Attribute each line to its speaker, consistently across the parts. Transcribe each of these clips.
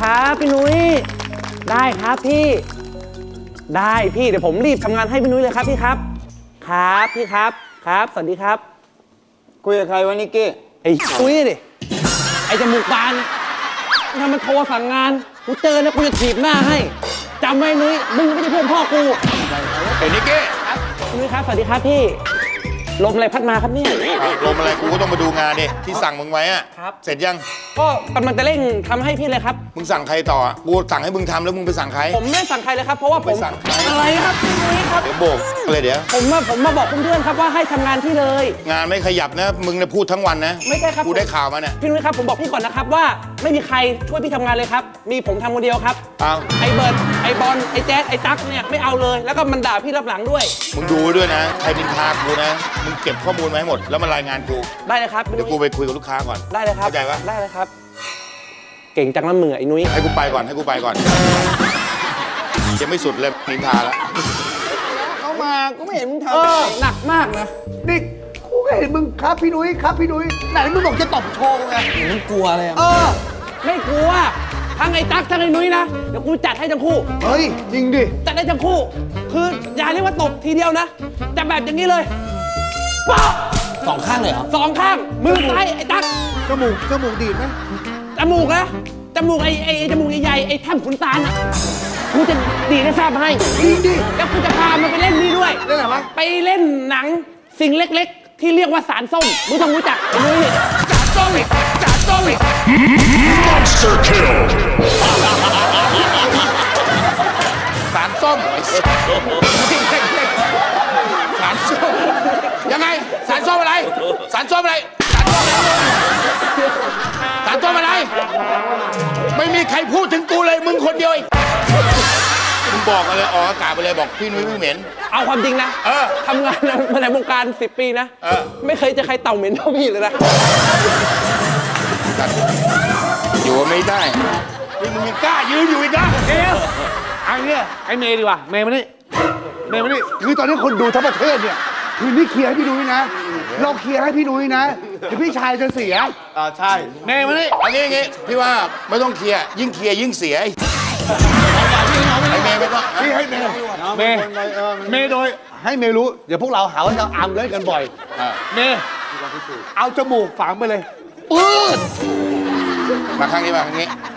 Speaker 1: ครับพี่นุ้ยได้ครับพี่ได้พี่เดี๋ยวผมรีบทำงานให้พี่นุ้ยเลยครับพี่ครับครับพี่ครับครับสวัสดีครับ
Speaker 2: คุยกับใครวะนิกกี้
Speaker 1: ไอ้นุ้ยดิไอ้จมูกบานถ้ามันโทรสั่งงานกูเจอแล้วกูจะถีบหน้าให้จำไว้นุ้ยมึงไม่ใช่เพื่อนพ่อกู
Speaker 3: ไอ้นิกกี้
Speaker 1: ครับนุ้ยครับสวัสดีครับพี่ลมอะไรพัดมาครับเนี่ย
Speaker 3: ลมอะไรกูก็ต้องมาดูงานดิที่สั่งมึงไว้อะเสร็จยัง
Speaker 1: ก็กำลังจะเร่งทำให้พี่เลยครับ
Speaker 3: มึงสั่งใครต่อกูสั่งให้มึงทำแล้วมึงไปสั่งใคร
Speaker 1: ผมไม่สั่งใครเลยครับเพราะว่าผม
Speaker 3: สั่งใคร
Speaker 1: อะไรครับพี่นุ้ยครับ
Speaker 3: เดี๋ยวโบกเลยเดี๋ยว
Speaker 1: ผมมาบอกเพื่อนๆครับว่าให้ทำงานที่เลย
Speaker 3: งานไม่ขยับนะมึงเนี่ยพูดทั้งวันนะ
Speaker 1: ไม่ใช่ครับ
Speaker 3: กูได้ข่าวมาเนี่ย
Speaker 1: พี่นุ้ยครับผมบอกพี่ก่อนนะครับว่าไม่มีใครช่วยพี่ทำงานเลยครับมีผมทำคนเดียวครับ
Speaker 3: เอา
Speaker 1: ไอ้เบิร์ดไอ้บอลไอ้แจ๊ดไอ้ตั๊กเนี่ยไม่เอาเลยแล้วก็มันด่าพี่รับหลังด้วย
Speaker 3: มึงดูด้วยนะใครนินทากูนะมึงเก็บข้อมูลมาให้หมดแล้วมารายงานกู
Speaker 1: ได้เลยครับ
Speaker 3: เดี๋ยวกูไปคุยกับลูกค้าก่อน
Speaker 1: ได้เลยครับ
Speaker 3: เข้าใจปะ
Speaker 1: ได้เลยครับเก่งจังละมือไอ้นุ้ย
Speaker 3: ให้กูไปก่อนยังไม่สุดเลยนินทาแล้ว
Speaker 2: เข้ามากูไม่เห็นมึงท
Speaker 1: ำหนักมากนะ
Speaker 2: นี่กูก็เห็นมึงครับพี่นุ้ยครับพี่นุ้ยไหนมึงบอกจะตบโชว์ไง
Speaker 1: มึงกลัวอะไรไม่กลัวทั้งไอ้ตั๊กทั้งไอ้นุ้ยนะเดี๋ยวกูจัดให้ทั้งคู่
Speaker 2: เฮ้ยจริงดิ
Speaker 1: จัดให้ทั้งคู่คืออย่าเรียกว่าตบทีเดียวนะจะแบบอย่างนี้เลยป๊ะ
Speaker 4: สองข้างเลยเหรอ
Speaker 1: สองข้างมือซ้ายไอ้ตั๊ก
Speaker 2: จมูกดีดไหม
Speaker 1: จมูกนะจมูกไอ้จมูกใหญ่ๆไอ้แท่มขุนตาลนะกูจะดีได้ทราบให้
Speaker 2: ดี
Speaker 1: แล้วกูจะพามันไปเล่นนี่ด้วย
Speaker 2: เล่นอะไรวะ
Speaker 1: ไปเล่นหนังสิ่งเล็กๆที่เรียกว่าสารส้มมึงต้องรู้จักไอ้นุ้ยสารส้ม
Speaker 3: Monster Kill สารส้มสารส้มยังไงสารส้มอะไรสารส้มอะไรไม่มีใครพูดถึงกูเลยมึงคนเดียวมึงบอกอะไรออกอากาศไปเลยบอกพี่นุ้ยไม่เหม็น
Speaker 1: เอาความจริงนะทำงานมาในวงการ10 ปีนะไม่เคยจะใครเต่าเหม็นเท่าพี่เลยนะ
Speaker 3: อยู่ไม่ได้นี่มึงยังกล้ายืนอยู่อีกนะ
Speaker 2: อันนี้ไอ้เมย์ดีกว่าเมย์มานี่คือตอนนี้คนดูทั้งประเทศเนี่ยคือนี่เคลียร์ให้พี่นุ้ยนะเราเคลียร์ให้พี่นุ้ยนะเดี๋ยวพี่ชายจะเสีย
Speaker 3: ใช่
Speaker 2: เมย์มานี่
Speaker 3: อันนี้พี่ว่าไม่ต้องเคลียร์ยิ่งเคลียร์ยิ่งเสียไอ้เมย์ไม่ต้อง
Speaker 2: พี่ให้เมย์โดยให้เมย์รู้เดี๋ยวพวกเราหาว่าจะอัมเล่นกันบ่อยเมย์เอาจมูกฝังไปเลยปื๊ด
Speaker 3: มาข้างนี้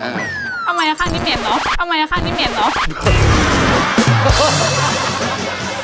Speaker 5: ทำไมข้างนี้เหม็นเนาะ